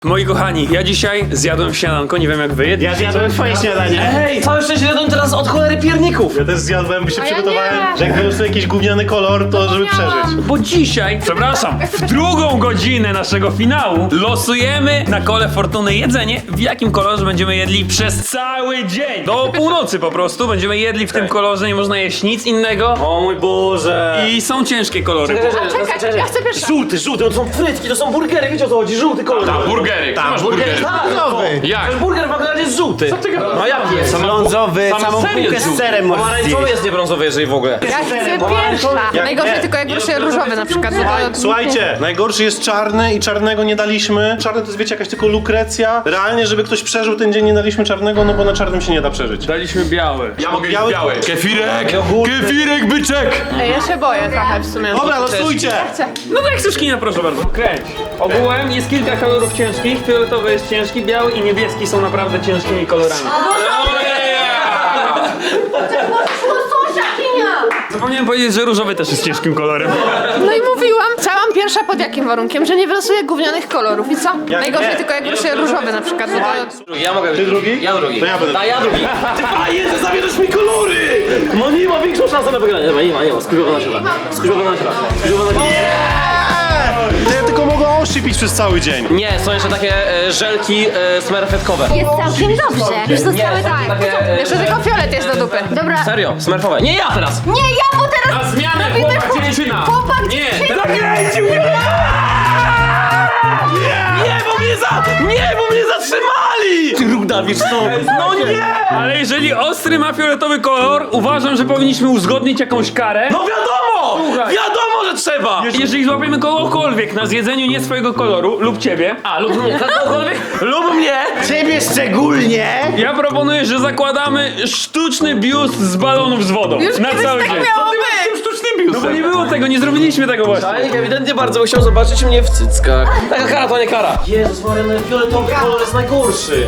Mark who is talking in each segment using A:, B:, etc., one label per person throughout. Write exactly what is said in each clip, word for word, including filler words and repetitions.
A: Moi kochani, ja dzisiaj zjadłem śniadanko, nie wiem jak wy.
B: Ja zjadłem twoje śniadanie.
C: Ej, całe szczęście jadłem teraz od cholery pierników.
B: Ja też zjadłem, bo się
D: A ja
B: przygotowałem,
D: nie.
B: że jak wyrosł jakiś gówniany kolor, to żeby przeżyć.
A: Bo dzisiaj, przepraszam, w drugą godzinę naszego finału losujemy na kole fortuny jedzenie, w jakim kolorze będziemy jedli przez cały dzień. Do północy po prostu będziemy jedli w tym kolorze, nie można jeść nic innego.
C: O mój Boże.
A: I są ciężkie kolory.
D: Czekaj, ja chcę pierwsza.
C: Żółty, żółty, to są frytki, to są burgery, wiecie o co chodzi? Żółty kolor.
A: A, burgery.
B: Tam,
A: masz
B: burgery.
A: burgery?
C: Tak,
B: Brązowy.
A: Jak?
C: Ten burger w McDonaldzie jest żółty. Co ty
A: gadasz?
C: No jaki jest?
B: Brązowy,
A: Sam
B: samą
A: ser jest
B: bułkę z
A: żółty.
B: serem możesz
C: Pomarańczowy
B: zjeść.
C: jest nie brązowy, jeżeli w ogóle.
D: Ja chcę pierwsza.
B: Jak
D: Najgorsze
B: nie.
D: tylko jak ruszy różowy na przykład. to-
B: Słuchajcie, najgorszy jest czarny i czarnego nie daliśmy. Czarny to jest, wiecie, jakaś tylko lukrecja. Realnie, żeby ktoś przeżył ten dzień, nie daliśmy czarnego, no bo na czarnym się nie da przeżyć.
A: Daliśmy biały. Ja mogę
B: Biały-
A: biały. Kefirek!
B: Jogurty.
A: Kefirek, byczek!
D: Ej, ja się boję trochę w sumie.
B: Dobra, losujcie!
A: No tak, Suszkina, proszę bardzo. Kręć. Ogółem jest kilka kolorów ciężkich. Fioletowy jest ciężki, biały i niebieski są naprawdę ciężkimi kolorami. Zapomniałem powiedzieć, że różowy też jest ciężkim kolorem.
D: No i mówiłam, chciałam pierwsza pod jakim warunkiem, że nie wylosuję gównianych kolorów. I co? Najgorsze
B: nie?
D: tylko jak ruszy różowy na przykład. No to...
C: Ja mogę.
B: Ty drugi?
C: Ja drugi.
B: To ja będę.
C: A ja drugi. Ty fajnie, że zabierzesz mi kolory! No nie ma większą szansę na wygranie. Nie ma, nie ma, nie ma. Skurzowa na siebie. Skurzowa na siebie. Skurzowa na siebie.
B: To ja tylko mogę oszczypić przez cały dzień.
C: Nie, są jeszcze takie e, żelki e, smerfetkowe.
E: Jest całkiem dobrze. Już zostały tak.
C: Takie, e,
D: Jeszcze tylko fiolet jest do dupy.
E: Dobra.
C: Serio, smerfowe. Nie ja teraz!
E: Nie, ja, bo teraz
A: Na zmianę
E: robimy
A: chłopak,
E: chłop-
A: dziewczyna.
E: Chłopak,
A: Nie,
E: dziewczyna.
A: zakręcił mnie!
C: Nie, bo mnie za... Nie, bo mnie zatrzymali! Ty ruda, wiesz co? No nie!
A: Ale jeżeli ostry ma fioletowy kolor, uważam, że powinniśmy uzgodnić jakąś karę.
C: No wiadomo!
A: Słuchaj.
C: Wiadomo, że trzeba!
A: Jeżeli złapiemy kogokolwiek na zjedzeniu nie swojego koloru, lub ciebie,
C: A, lub mnie, kogokolwiek? Lub mnie!
B: Ciebie szczególnie!
A: ja proponuję, że zakładamy sztuczny biust z balonów z wodą.
D: Już
A: na
D: kiedyś
A: cały
D: tak
A: dzień.
D: miało
A: Co ty masz z
D: być.
A: tym sztucznym biustem? No bo nie było tego, nie zrobiliśmy tego właśnie.
C: Tajnik ewidentnie bardzo chciał zobaczyć mnie w cyckach. Taka kara to nie kara. Jezus Maria, no fioletowy kolor jest najgorszy.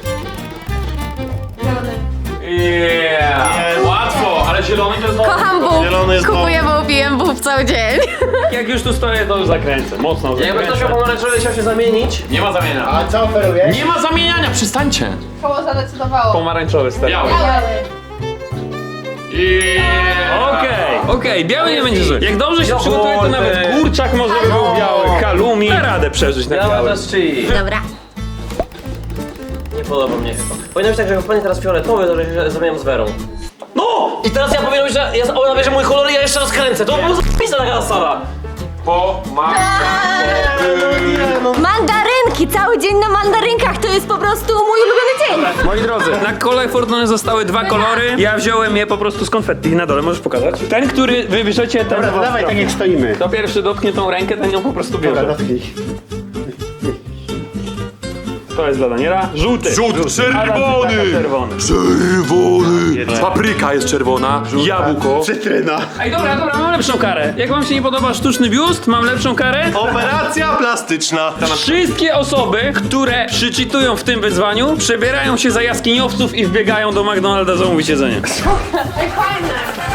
A: Yeah. Łatwo, ale zielony to jest dobry.
D: Kocham bób.
B: Zielony jest
D: Kupuję bób, pijem bób cały dzień.
A: Jak już tu stoję, to już zakręcę. Mocno
C: Jakby ktoś
A: zakręcę.
C: miał pomarańczowy chciał się zamienić.
A: Nie ma zamienia.
B: A co oferujesz?
A: Nie ma zamieniania, przestańcie.
D: Koło zadecydowało.
A: Pomarańczowy stary. Biały. Okej, okej, biały nie będzie zły. Jak dobrze się przygotuje, to nawet kurczak może by był biały. Kalumi. Da radę przeżyć na
C: Ja
A: biały.
C: też chi.
E: Dobra.
C: Nie podoba mnie chyba. Powinno być tak, że jak wpadnie teraz fioletowy, to że się zamieniam z Werą. No! I teraz ja powinien być, że ja, ona bierze mój kolor i ja jeszcze raz kręcę. To było zapisane taka sala.
E: Mandarynki. Cały dzień na mandarynkach to jest po prostu mój ulubiony dzień.
A: Moi drodzy, na kole fortuny zostały dwa kolory. Ja wziąłem je po prostu z konfetti. Na dole możesz pokazać. Ten, który wybierzecie, ten
B: Dobra, to dawaj tak jak stoimy.
A: Kto pierwszy dotknie tą rękę, ten ją po prostu
B: Dobra,
A: bierze.
B: dotknij.
A: To jest dla Daniela. Żółty.
F: Żółty, czerwony!
A: Taka czerwony.
F: Czerwony! Papryka jest czerwona, jabłko.
B: Cytryna.
A: Ej, dobra, dobra, mam lepszą karę. Jak wam się nie podoba sztuczny biust, mam lepszą karę.
B: Operacja plastyczna.
A: Wszystkie osoby, które przyczytują w tym wyzwaniu, przebierają się za jaskiniowców i wbiegają do McDonalda zamówić jedzenie.
D: Ej, fajne.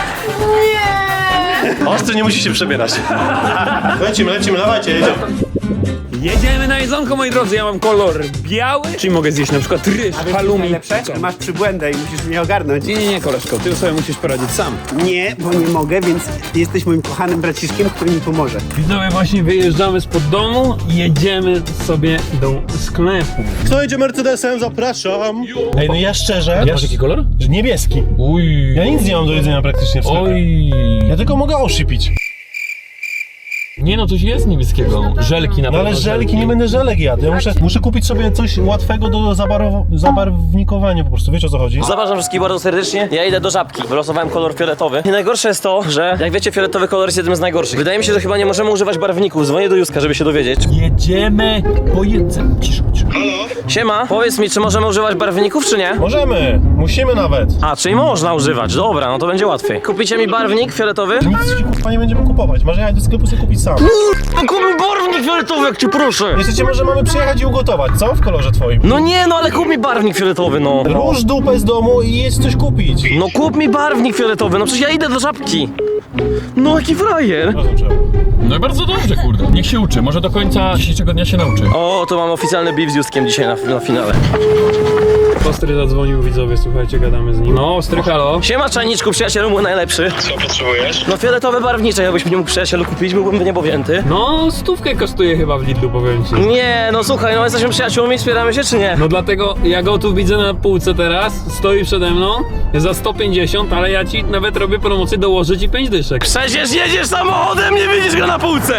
D: Nie.
B: Ostry nie musi się przebierać. Lecimy, lecimy, dawajcie, jedziemy.
A: Jedziemy na jedzonko, moi drodzy. Ja mam kolor biały, czyli mogę zjeść na przykład ryż, halloumi. Co?
G: Masz przybłędę i musisz mnie ogarnąć.
A: Nie, nie, nie, koleżko, ty sobie musisz poradzić sam.
G: Nie, bo nie mogę, więc jesteś moim kochanym braciszkiem, który mi pomoże.
A: Widzowie, właśnie wyjeżdżamy spod domu i jedziemy sobie do sklepu.
B: Kto jedzie Mercedesem? Zapraszam. Ej, no ja szczerze...
A: Masz jaki kolor?
B: Że niebieski.
A: Uj.
B: Ja nic nie mam do jedzenia praktycznie w sklepie.
A: Oj.
B: Ja tylko mogę oszypić.
A: Nie no, coś jest niebieskiego. Żelki na
B: No ale
A: pewno.
B: żelki, nie będę żelek jadł. Ja muszę, muszę kupić sobie coś łatwego do zabarow- zabarwnikowania po prostu. Wiecie o co chodzi?
C: Zapraszam wszystkich bardzo serdecznie. Ja idę do żabki. Wylosowałem kolor fioletowy. I najgorsze jest to, że jak wiecie, fioletowy kolor jest jednym z najgorszych. Wydaje mi się, że chyba nie możemy używać barwników. Dzwonię do Józka, żeby się dowiedzieć.
A: Jedziemy po jedzeniu. Cicho, cicho.
C: Siema, powiedz mi, czy możemy używać barwników, czy nie?
B: Możemy, musimy nawet.
C: A, czyli można używać. Dobra, no to będzie łatwiej. Kupicie mi barwnik fioletowy?
B: Nic ci kurwa nie będziemy kupować. Może jechać do sklepu sobie kupić sam.
C: Kup mi barwnik fioletowy, jak cię proszę.
B: Jeszcze może mamy przyjechać i ugotować, co? W kolorze twoim.
C: No nie, no ale kup mi barwnik fioletowy, no.
B: Róż dupę z domu i jedź coś kupić.
C: No kup mi barwnik fioletowy, no przecież ja idę do żabki. No jaki frajer.
B: Rozumiem.
A: No No i bardzo dobrze, kurde. Niech się uczy, może do końca dzisiejszego dnia się nauczy.
C: O, to mam oficjalny beef z Justkiem dzisiaj na, na finale.
A: Ostry zadzwonił, widzowie, słuchajcie, gadamy z nim. No, Ostry, halo.
C: Siema czajniczku, przyjacielu mój najlepszy.
B: Co potrzebujesz?
C: No fioletowe barwnicze, jakbyś mi nie mógł przyjacielu kupić, byłbym niebowzięty.
A: No, stówkę kosztuje chyba w Lidlu, powiem ci.
C: Nie, no słuchaj, no jesteśmy przyjaciółmi, wspieramy się czy nie?
A: No dlatego ja go tu widzę na półce teraz, stoi przede mną za sto pięćdziesiąt, ale ja ci nawet robię promocję, dołożę ci pięć dyszek.
C: Przecież jedziesz samochodem, nie widzisz go na półce!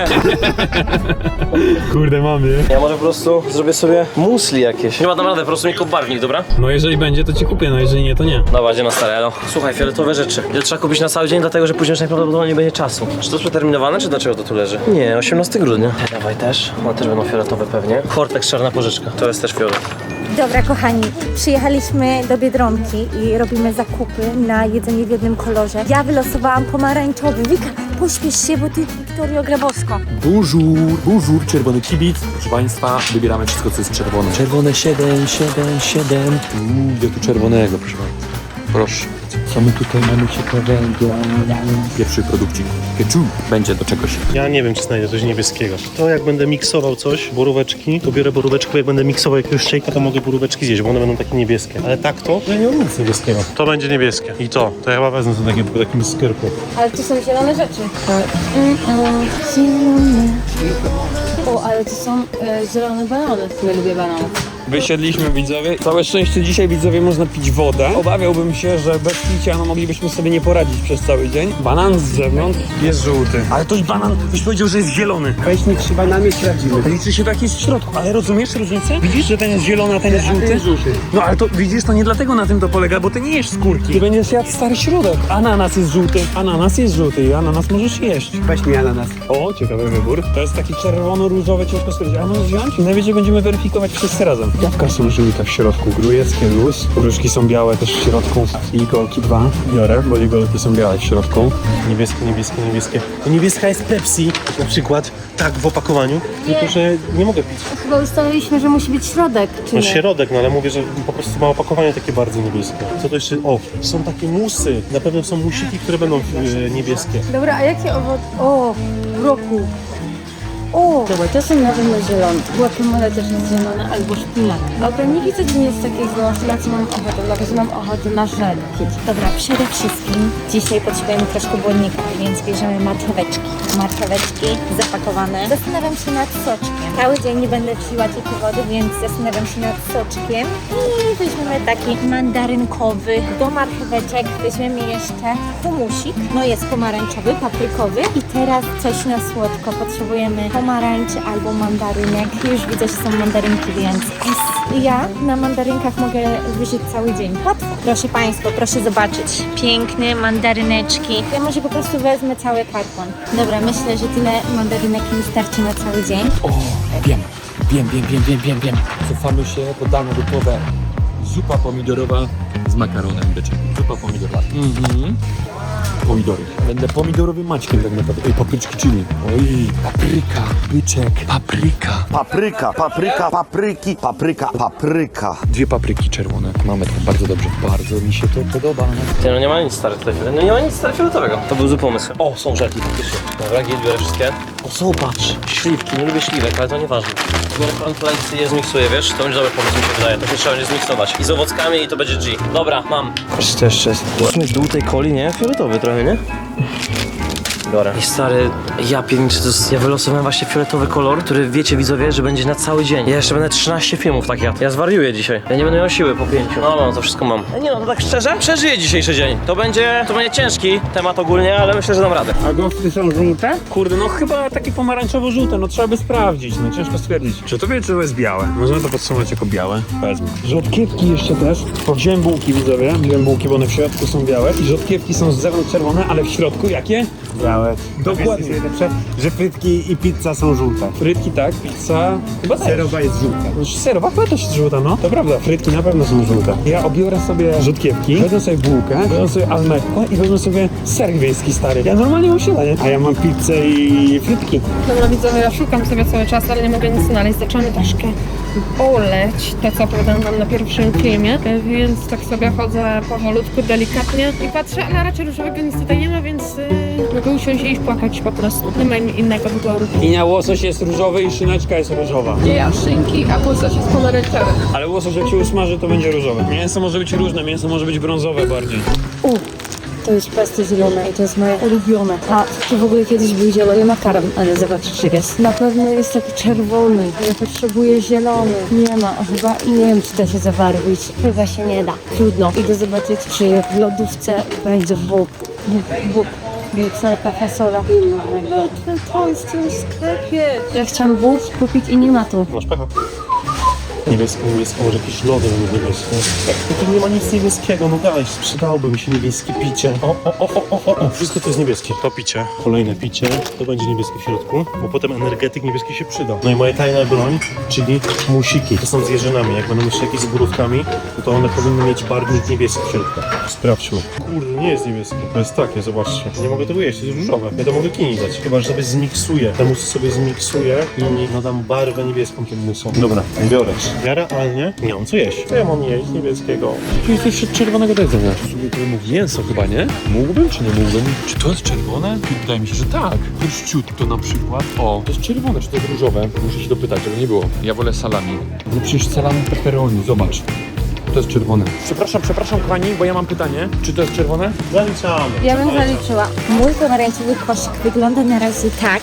A: Kurde, mamy.
C: Ja może po prostu zrobię sobie musli jakieś. Nie ma tam rady, po prostu mi kup barwnik, dobra?
A: No jeżeli będzie, to ci kupię, no jeżeli nie, to nie.
C: Dobra, idzie na stare, elo. Słuchaj, fioletowe rzeczy. Je trzeba kupić na cały dzień, dlatego że później już najprawdopodobniej nie będzie czasu. Czy to jest przeterminowane, czy dlaczego to tu leży? Nie, osiemnastego grudnia. Te dawaj też. One też będą fioletowe pewnie. Hortex czarna pożyczka. To jest też fiolet.
H: Dobra, kochani, przyjechaliśmy do Biedronki i robimy zakupy na jedzenie w jednym kolorze. Ja wylosowałam pomarańczowy. Wika, pośpiesz się, bo ty, Wiktorio Grabowsko.
F: Bonjour, bonjour, czerwony kibic. Proszę Państwa, wybieramy wszystko, co jest czerwone. Czerwone siedem, siedem, siedem. Uuu, ja tu czerwonego, proszę Państwa. Proszę. Co my tutaj mamy ciekawego? Pierwszy produkcik. Ketchup. Będzie do czegoś.
B: Ja nie wiem, czy znajdę coś niebieskiego. To jak będę miksował coś, boróweczki, to biorę boróweczkę, jak będę miksował jakiegoś szejka, to mogę boróweczki zjeść, bo one będą takie niebieskie. Ale tak to, ja nie mam nic niebieskiego. To będzie niebieskie. I to, to ja chyba wezmę to takie, po takim skierku.
H: Ale to są zielone rzeczy. Mm, mm, zielone. O, ale to są e, zielone banany. Ja lubię banany.
A: Wysiedliśmy, widzowie. Całe szczęście dzisiaj, widzowie, można pić wodę. Obawiałbym się, że bez picia no, moglibyśmy sobie nie poradzić przez cały dzień. Banan z zewnątrz jest żółty. Ale to i banan, byś powiedział, że jest zielony.
G: Weźmy trzy banany, sprawdzimy.
A: Liczy się tak jest w środku, ale rozumiesz różnicę? Widzisz, że ten jest zielony, a ten jest
G: A ten
A: żółty?
G: jest żółty.
A: No ale to widzisz, to nie dlatego na tym to polega, bo ty nie jesz skórki. Ty będziesz jadł stary środek. Ananas jest żółty, ananas jest żółty i ananas możesz jeść.
G: Weź mi ananas.
A: O, ciekawy wybór. To jest taki czerwono-różowy, ciężko stwierdzić. A możesz wziąć? Najwyżej będziemy weryfikować wszyscy razem. Jabłka są żółte w środku, grujeckie luz. Różki są białe też w środku. I golki dwa biorę, bo i golki są białe w środku.
B: Niebieskie, niebieskie, niebieskie. To niebieska jest Pepsi, na przykład, tak w opakowaniu, tylko że nie mogę pić.
H: Chyba ustaliliśmy, że musi być środek, czy
B: No
H: nie?
B: środek, no ale mówię, że po prostu ma opakowanie takie bardzo niebieskie. Co to jeszcze? O, są takie musy. Na pewno są musiki, które będą e, niebieskie.
H: Dobra, a jakie owoce? O, roku. O, dobra, to są na pewno zielone. Guacamole też jest zielone, albo szpinak. Dobra, nie widzę, czy nie jest takiego, na co mam ochotę. Dobra, że mam ochotę na żelki. Dobra, przede wszystkim dzisiaj potrzebujemy troszkę błonnika, więc bierzemy marcheweczki. Marcheweczki zapakowane. Zastanawiam się nad soczkiem. Cały dzień nie będę piła tylko wody, więc zastanawiam się nad soczkiem. I weźmiemy taki mandarynkowy. Do marcheweczek weźmiemy jeszcze humusik. No jest pomarańczowy, paprykowy. I teraz coś na słodko. Potrzebujemy pomarańczy albo mandarynek. Już widzę, że są mandarynki, więc ja na mandarynkach mogę wyżyć cały dzień. Łatwo. Proszę Państwa, proszę zobaczyć. Piękne mandaryneczki. Ja może po prostu wezmę cały karton. Dobra, myślę, że tyle mandarynek mi starczy na cały dzień.
F: O, wiem, wiem, wiem, wiem, wiem, wiem, wiem. Cofamy się do dane gotowe. Zupa pomidorowa z makaronem byczek. Zupa pomidorowa. Mhm. Pomidory. Będę pomidorowym Maćkiem tak naprawdę. Ej, papryczki chili. Oj, papryka, byczek, papryka.
I: Papryka, papryka, papryki, papryka, papryka.
F: Dwie papryki czerwone. Mamy to bardzo dobrze. Bardzo mi się to podoba.
C: Ty, no nie ma nic stary tutaj. No nie ma nic stary fioletowego. To był zły pomysł. O, są żelki faktycznie. Dobra, gdzie biorę wszystkie? O, zobacz. Śliwki, nie lubię śliwek, ale to nieważne. Biorę cornflakes i je zmiksuję, wiesz? To będzie dobry pomysł, mi się wydaje. To się trzeba będzie zmiksować. I z owockami i to będzie G. Dobra, mam. Jeszcze, jeszcze jest. W dół tej coli, nie? Fioletowy trochę, nie? Biorę. I stary, ja pierniczę, to jest, ja wylosowałem właśnie fioletowy kolor, który wiecie widzowie, że będzie na cały dzień. Ja jeszcze będę trzynaście filmów tak jadł. Ja zwariuję dzisiaj. Ja nie będę miał siły po pięciu. No, no, to wszystko mam. Nie no, to tak szczerze, przeżyję dzisiejszy dzień. To będzie, to będzie ciężki temat ogólnie, ale myślę, że dam radę.
G: A gofry są żółte?
A: Kurde, no chyba takie pomarańczowo-żółte, no trzeba by sprawdzić, no ciężko stwierdzić. Czy to wie, czy to jest białe? Możemy to podsumować jako białe. Powiedzmy. Rzodkiewki jeszcze też. Wziąłem bułki, widzowie. Wziąłem bułki, bo one w środku są białe. I rzodkiewki są z zewnątrz czerwone, ale w środku jakie?
G: Białe.
A: Dokładnie.
G: Wiesz, co jest najlepsze? Że frytki i pizza są żółte.
A: Frytki tak, pizza chyba też.
G: Serowa jest żółta.
A: Serowa chyba też jest żółta, no. To prawda, frytki na pewno są żółte. Ja obiorę sobie rzodkiewki, wezmę sobie bułkę, wezmę sobie almekko i wezmę sobie ser wiejski stary. Ja normalnie mam śniadanie.
G: A ja mam pizzę i frytki.
D: Dobra widzowie, ja szukam sobie cały czas, ale nie mogę nic znaleźć. Zaczynamy troszkę boleć, to co opowiadałam wam na pierwszym filmie, więc tak sobie chodzę powolutku, delikatnie i patrzę, ale raczej różowego nic tutaj nie ma, więc yy, mogę usiąść i iść płakać po prostu. Nie ma innego wyboru.
A: Linia łosoś jest różowy i szyneczka jest różowa.
D: Nie ja szynki, a łosoś jest pomarańczowy.
A: Ale łosoś jak się usmaży, to będzie różowe. Mięso może być różne, mięso może być brązowe bardziej.
H: U, to jest pesto zielone i to jest moje ulubione. A to w ogóle kiedyś był zielony makaron, ale zobaczcie, czy jest. Na pewno jest taki czerwony. Ja potrzebuję zielony. Nie ma, chyba i nie wiem, czy da się zabarwić. Chyba się nie da. Trudno. Idę zobaczyć, czy w lodówce będzie bób. Bób, bób. Wielcelka fasola. To jest w tym sklepie. Ja chciałam bób kupić i nie ma tu.
B: Masz pecha. Niebieskie, niebieskie, może jakieś lody będą niebieskie. No to nie ma nic niebieskiego, no daj, przydałby mi się niebieskie picie. O, o, o, o, o, o, wszystko to jest niebieskie. To picie, kolejne picie, to będzie niebieskie w środku, bo potem energetyk niebieski się przyda. No i moja tajna broń, czyli musiki. To są z jeżynami, jak będą jeszcze jakieś z borówkami, no to one powinny mieć barwnik niebieski w środku. Sprawdźmy. Kurde, nie jest niebieskie. To jest takie, zobaczcie. Nie mogę tego jeść, to jest różowe. Ja to mogę kini dać, chyba że sobie zmiksuję. Te musy sobie zmiksuję i nadam barwę niebieską tym musom. Dobra, biorę. Ja realnie nie mam co jeść. Co ja mam jeść niebieskiego?
F: Tu jest jeszcze czerwonego do jedzenia. Sobie to mógł mięso chyba, nie? Mógłbym czy nie mógłbym? Czy to jest czerwone? Wydaje mi się, że tak. Pierściutko na przykład. O, to jest czerwone, czy to jest różowe? Muszę się dopytać, żeby nie było. Ja wolę salami. No przecież salami pepperoni, zobacz. To jest czerwone. Przepraszam, przepraszam kochani, bo ja mam pytanie. Czy to jest czerwone?
B: Zaliczamy.
H: Ja bym zaliczyła. Mój pomarańczowy koszyk wygląda na razie tak.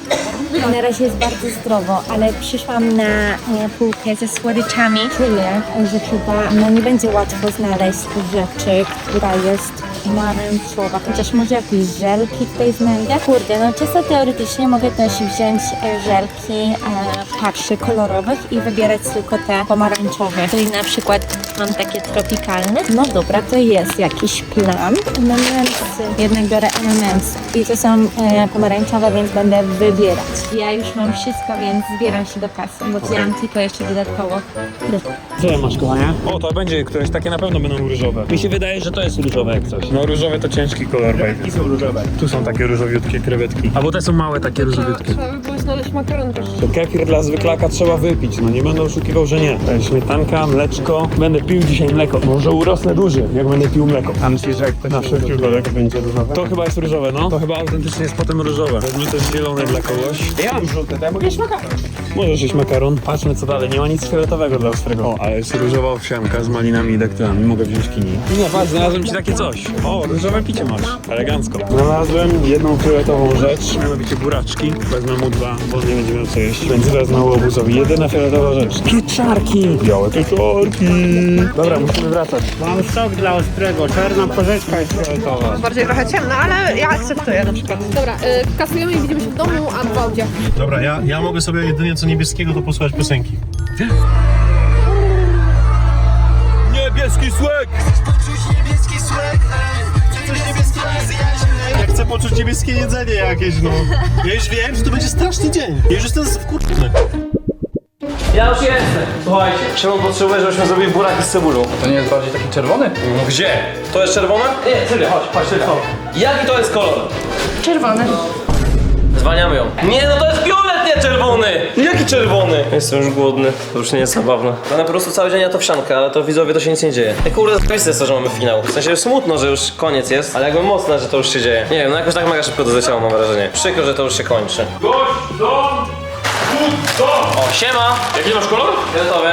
H: Na razie jest bardzo zdrowo, ale przyszłam na e, półkę ze słodyczami. Czuję, że chyba no, nie będzie łatwo znaleźć rzeczy, która jest pomarańczowa. Chociaż może jakieś żelki tutaj znajdę. Kurde, no czysto teoretycznie mogę też wziąć e, żelki e, patrzy kolorowych i wybierać tylko te pomarańczowe. Czyli na przykład mam takie tropikalne. No dobra, to jest jakiś plan. M and M's. Jednak biorę M and M's. I to są e, pomarańczowe, więc będę wybierać. Ja już mam wszystko, więc zbieram się do kasy, bo wziąłam tylko jeszcze dodatkowo.
A: Co masz, kochanie? O, to będzie któreś, takie na pewno będą różowe. Mi się wydaje, że to jest różowe jak coś. No różowe to ciężki kolor. I są różowe. Tu są takie różowiutkie krewetki. A bo te są małe takie różowiutkie.
D: Trzeba by było znaleźć makaron też.
A: To kefir dla zwyklaka trzeba wypić, no nie będę oszukiwał, że nie. To jest śmietanka, mleczko. Będę pił dzisiaj mleko. Może urosnę duży, jak będę pił mleko. A myślisz, że jak to na wszelki wypadek będzie różowe? To chyba jest różowe, no. To chyba autentycznie jest potem różowe. Wezmę też zielone dla kogoś. Ja mam żółte, to ja mogę jeść makaron. Możesz jeść makaron. Patrzmy co dalej, nie ma nic fioletowego dla Ostrego. O, ale jest różowa owsianka z malinami i daktylami. Mogę wziąć kini. Nie, patrz, znalazłem ci takie coś. O, różowe picie masz. Elegancko. Znalazłem jedną fioletową rzecz. Mianowicie buraczki. Wezmę mu dwa, bo nie będzie miał co jeść. Więc wezmę łobuzowi. Jedyna fioletowa rzecz. Pieczarki. Białe pieczarki. Dobra, musimy wracać.
G: Mam sok dla Ostrego, czarna porzeczka jest fioletowa.
D: Bardziej trochę ciemno, ale ja akceptuję na przykład. Dobra, y, kasujemy i widzimy się w domu albo w audzie.
B: Dobra, ja, ja mogę sobie jedynie co niebieskiego to posłuchać piosenki.
F: Niebieski słek!
B: Ja chcę poczuć niebieskie jedzenie jakieś, no. Ja już wiem, że to będzie straszny dzień. Ja już jestem wkurczony.
C: Ja już jestem. Słuchajcie, Szymon potrzebuje, żebyśmy zrobili buraki z cebulą.
F: To nie jest bardziej taki czerwony?
C: No gdzie? To jest czerwone? Nie, Sylwia, chodź, chodź, Sylwia. Jaki to jest kolor?
D: Czerwony.
C: Zwalniamy ją. Nie, no to jest fiolet, nie czerwony! Jaki czerwony? Jestem już głodny, to już nie jest zabawne. Będę po prostu cały dzień ja to wsiankę, ale to widzowie to się nic nie dzieje. Ej, kurde, zajebiste jest to, że mamy finał. W sensie smutno, że już koniec jest, ale jakby mocne, że to już się dzieje. Nie wiem, no jakoś tak mega szybko to zleciało, mam wrażenie. Przykro, że to już się kończy.
A: Gość, dom, dom.
C: O, siema!
A: Jaki masz kolor?
C: Fioletowy.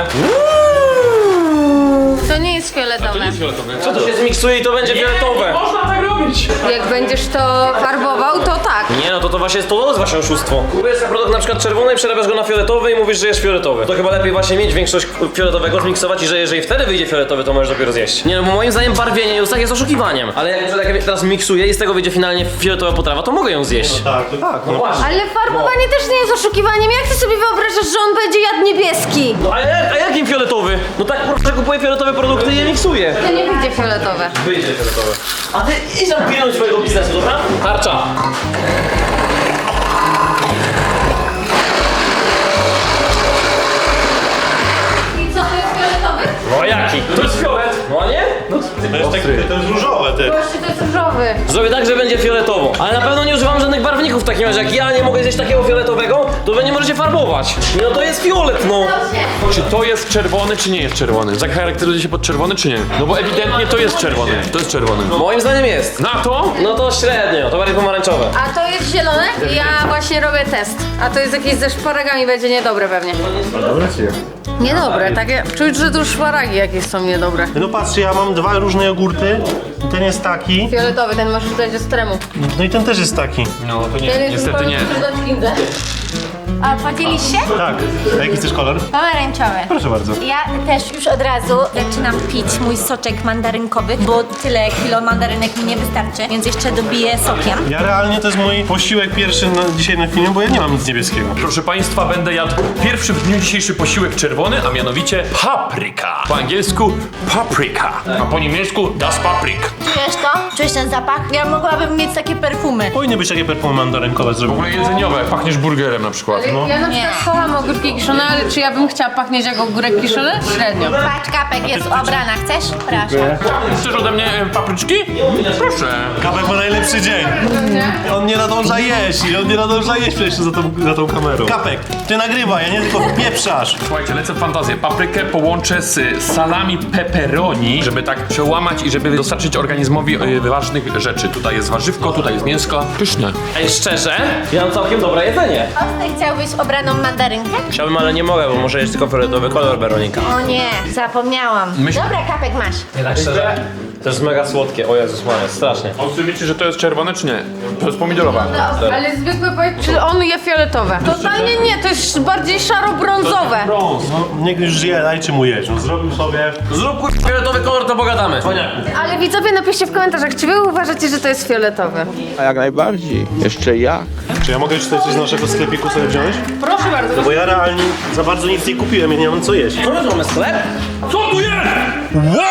D: To nie jest fioletowe.
C: Co to się zmiksuje i to będzie fioletowe?
A: Można tak robić.
D: Jak będziesz to farbował, to tak.
C: Nie, no to to właśnie jest to jest właśnie oszustwo. Kupujesz sobie produkt na przykład czerwony i przerabiasz go na fioletowy i mówisz, że jest fioletowy. To chyba lepiej właśnie mieć większość fioletowego, zmiksować i że jeżeli wtedy wyjdzie fioletowy, to możesz dopiero zjeść. Nie no, bo moim zdaniem barwienie już tak jest oszukiwaniem. Ale jak, jak ja teraz miksuję i z tego wyjdzie finalnie fioletowa potrawa, to mogę ją zjeść.
B: Tak, to tak. No.
C: Właśnie.
E: Ale farbowanie też nie jest oszukiwaniem. Jak ty sobie wyobrażasz, że on będzie jadł niebieski?
C: No a, jak, a jakim fioletowy? No tak po prostu kupuję fioletowe produkty i je miksuję.
D: To nie wyjdzie fioletowe.
C: Wyjdzie fioletowe. A ty idź tam pilnuj swojego biznesu, dobra? Tarcza.
D: I co, to jest fioletowy?
C: No a jaki?
A: To jest fiolet.
C: No a nie?
A: No,
B: To jest, takie, to jest różowe, ty.
E: Właśnie to jest różowy.
C: Zrobię tak, że będzie fioletowo. Ale na pewno nie używam żadnych barwników w takim razie. Jak ja nie mogę zjeść takiego fioletowego, to wy nie możecie farbować. No to jest fiolet, no.
A: Czy to jest czerwony, czy nie jest czerwony? Zacharakteryzuje się pod czerwony, czy nie? No bo ewidentnie to jest czerwony. To jest czerwony.
C: Moim zdaniem jest.
A: Na to?
C: No to średnio, to bardziej pomarańczowe.
E: A to jest zielone? Ja właśnie robię test. A to jest jakieś ze szparagami, będzie niedobre pewnie. Niedobre, takie. Czuć, że tu szparagi jakieś są niedobre.
B: No patrzcie, ja mam dwa różne jogurty. I ten jest taki.
E: Fioletowy, ten możesz dać z tremu.
B: No i ten też jest taki.
A: No to nie,
E: Ten jest
A: niestety
E: zupełnie
A: nie.
E: dodać windę.
H: A podzielisz się?
B: Tak. A jaki chcesz kolor?
H: Pomarańczowy.
B: Proszę bardzo.
H: Ja też już od razu zaczynam pić mój soczek mandarynkowy, bo tyle kilo mandarynek mi nie wystarczy, więc jeszcze dobiję sokiem.
B: Ja realnie to jest mój posiłek pierwszy na, dzisiaj na filmie, bo ja nie mam nic niebieskiego.
A: Proszę Państwa, będę jadł pierwszy w dniu dzisiejszy posiłek czerwony, a mianowicie papryka. Po angielsku paprika, a po niemiecku das Paprik.
H: Czujesz to? Czujesz ten zapach? Ja mogłabym mieć takie perfumy.
B: Powinny być takie perfumy mandarynkowe
A: W
B: zrobione.
A: ogóle jedzeniowe, pachniesz burgerem na przykład. No.
E: Ja na przykład kocham ogórki kiszone, ale czy ja bym chciała pachnieć jak ogórek kiszony? Średnio.
H: Patrz, kapek jest obrana. Chcesz? Proszę.
A: Chcesz ode mnie e, papryczki? Proszę.
B: Kapek ma najlepszy dzień. On nie nadąża jeść i on nie nadąża jeść przecież za tą, za tą kamerą. Kapek, ty nagrywaj, a nie tylko pieprzasz.
A: Słuchajcie, lecę w fantazję. Paprykę połączę z salami pepperoni, żeby tak przełamać i żeby dostarczyć organizmowi e, ważnych rzeczy. Tutaj jest warzywko, tutaj jest mięsko. Pyszne.
C: Ej, szczerze, ja mam całkiem dobre jedzenie.
H: Ostry, chciałbyś obraną mandarynkę?
C: Chciałbym, ale nie mogę, bo muszę jeść tylko fioletowy kolor, Weronika.
H: O nie, zapomniałam.
A: Myśl-
H: Dobra, kapek masz.
C: Nie tak szczerze? To jest mega słodkie, o Jezus Maria, strasznie.
A: A ty wiecie, że to jest czerwone, czy nie? To jest pomidorowa.
E: Ale zwykły powiedz, czy on je fioletowe? Totalnie nie, to jest bardziej szaro-brązowe.
B: Brąz, no niech już je, dajcie mu jeść. No zrobił sobie...
C: Zrób kur... fioletowy kolor, to pogadamy. Cwaniaku.
E: Ale widzowie, napiszcie w komentarzach, czy wy uważacie, że to jest fioletowe?
I: A jak najbardziej. Jeszcze jak?
B: Czy ja mogę już tutaj coś z naszego sklepiku sobie wziąć?
E: Proszę bardzo.
B: No bo ja realnie za bardzo nic nie kupiłem, ja nie mam co jeść.
C: Co my mamy sklep?
A: Co tu jest? Wow!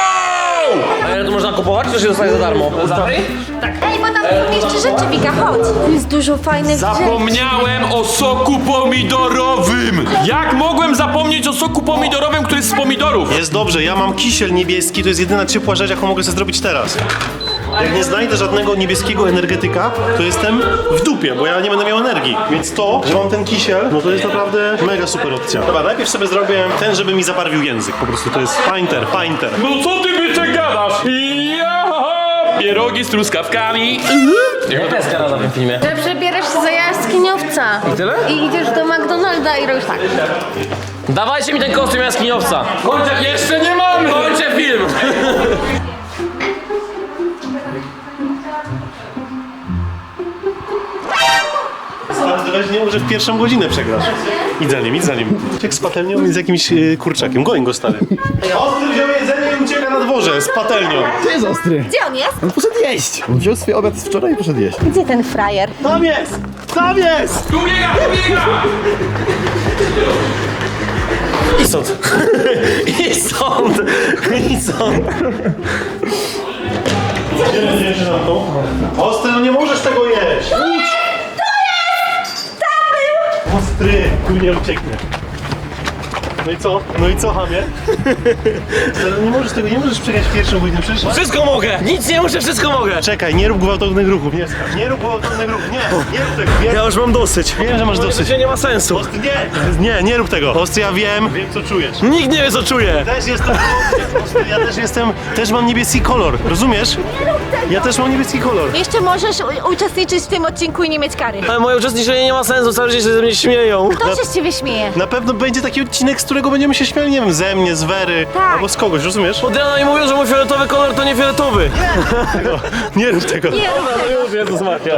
C: A ile tu można kupować, czy się dostaje za darmo? Za
H: Ej, bo tam są jeszcze rzeczy, Wika, chodź. Tu jest dużo fajnych rzeczy.
A: Zapomniałem o soku pomidorowym! Jak mogłem zapomnieć o soku pomidorowym, który jest z pomidorów?
B: Jest dobrze, ja mam kisiel niebieski, to jest jedyna ciepła rzecz, jaką mogę sobie zrobić teraz. Jak nie znajdę żadnego niebieskiego energetyka, to jestem w dupie, bo ja nie będę miał energii. Więc to, że mam ten kisiel, no to jest naprawdę mega super opcja. Dobra, najpierw sobie zrobię ten, żeby mi zabarwił język. Po prostu to jest painter, painter.
A: No co ty byczek gadasz? Ja! Pierogi z truskawkami.
C: Jaka jest kara na tym filmie?
E: Że przebierasz się za jaskiniowca.
C: I tyle?
E: I idziesz do McDonalda i robisz tak.
C: Dawajcie mi ten kostium jaskiniowca.
A: Kończę, jeszcze nie mamy!
C: Kończę film.
B: Stary, weź nie może w pierwszą godzinę przegrasz. Idź za nim, idź za nim. Jak z patelnią i z jakimś yy, kurczakiem. Goń go, stary. Ostry wziął jedzenie i ucieka na dworze z patelnią.
I: To jest ostry.
H: Gdzie on jest?
I: On poszedł jeść. On wziął swój obiad z wczoraj i poszedł jeść.
H: Gdzie ten frajer?
B: Tam jest! Tam jest!
A: Tu biega, tu biega!
C: I stąd. I stąd. I stąd.
B: Gdzie będziesz na to? Ostry, no nie możesz tego jeść! Idź! Ostry, tu nie ucieknie. No i co? No i co, hamie? Ale nie możesz tego, nie możesz przegrać w pierwszą godzinę, przecież...
C: Wszystko mogę. Nic nie muszę, wszystko mogę.
B: Czekaj, nie rób gwałtownych ruchów, nie skacz. Nie rób gwałtownych ruchów, nie, nie rób tego. Wiem,
C: Ja już mam dosyć.
B: wiem że masz dosyć.
C: Życie nie ma sensu.
B: Ostry, nie, nie, nie rób tego. Ostry, ja wiem, wiem co czujesz.
C: Nikt nie wie, co czuję.
B: Też jestem, ostry, ja też jestem, też mam niebieski kolor, rozumiesz? Ja też mam niebieski kolor.
H: Jeszcze możesz u- uczestniczyć w tym odcinku i nie mieć kary.
C: Ale moje uczestniczenie nie ma sensu, cały czas się ze mnie śmieją.
H: Kto się z ciebie śmieje?
B: Na pewno będzie taki odcinek, z którego będziemy się śmiali, nie wiem, ze mnie, z Wery,
H: Tak.
B: albo z kogoś, rozumiesz?
C: Od rana mi mówią, że mój fioletowy kolor to nie fioletowy.
B: Tego, nie rób tego.
H: Nie rób tego.
B: Już, Jezus Maria.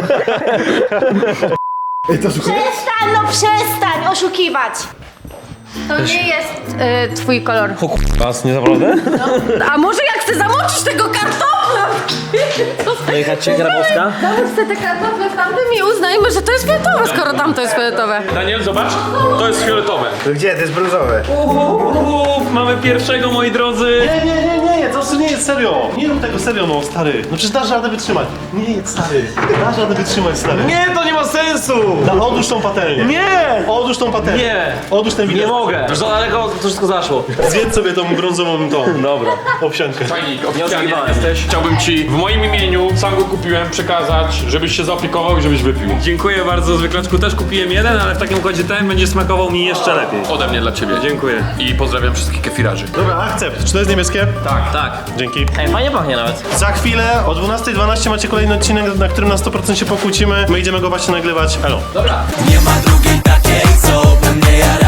H: Przestań, no przestań oszukiwać.
E: To nie jest y, twój kolor.
C: O k***a, nie naprawdę?
E: A może jak chcę zamoczyć tego kartofla?
C: Jechać cię, Grabowska?
E: Załóż sobie te kartofle w tamtym i uznajmy, że to jest fioletowe, skoro tam to jest fioletowe.
A: Daniel, zobacz, to jest fioletowe.
G: Gdzie? To jest brązowe.
A: Uuu, mamy pierwszego, moi drodzy.
B: Nie, nie, nie, nie, jedz, ostry nie jedz, serio. Nie rób tego serio, no stary. No przecież dasz radę wytrzymać. Nie jedz, stary. Dasz radę wytrzymać, stary.
C: Nie, to nie ma sensu!
B: Da, odłóż tą patelnię.
C: Nie!
B: Odłóż tą patelnię.
C: Nie!
B: Odłóż ten
C: Nie
B: widok.
C: mogę! Już za daleko to wszystko zaszło.
B: Zjedz sobie tą brązową tą.
C: Dobra.
B: Owsiankę.
F: Fajnik, oficjalnie
C: oszukiwałem.
F: jesteś. Chciałbym ci w moim imieniu, sam go kupiłem, przekazać, żebyś się zaopiekował i żebyś wypił.
A: Dziękuję bardzo, zwykłaczku też kupiłem jeden, ale w takim układzie ten będzie smakował mi jeszcze lepiej.
F: Ode mnie dla ciebie.
A: Dziękuję.
F: I pozdrawiam wszystkich kefirarzy.
B: Dobra, akcept. Czy to jest niebieskie?
C: Tak.
B: Dzięki.
C: Ej, fajnie pachnie nawet.
B: Za chwilę o dwunastej dwanaście macie kolejny odcinek, na którym na sto procent się pokłócimy. My idziemy go właśnie nagrywać. Elo.
C: Dobra.
J: Nie ma drugiej takiej, co by mnie jarała.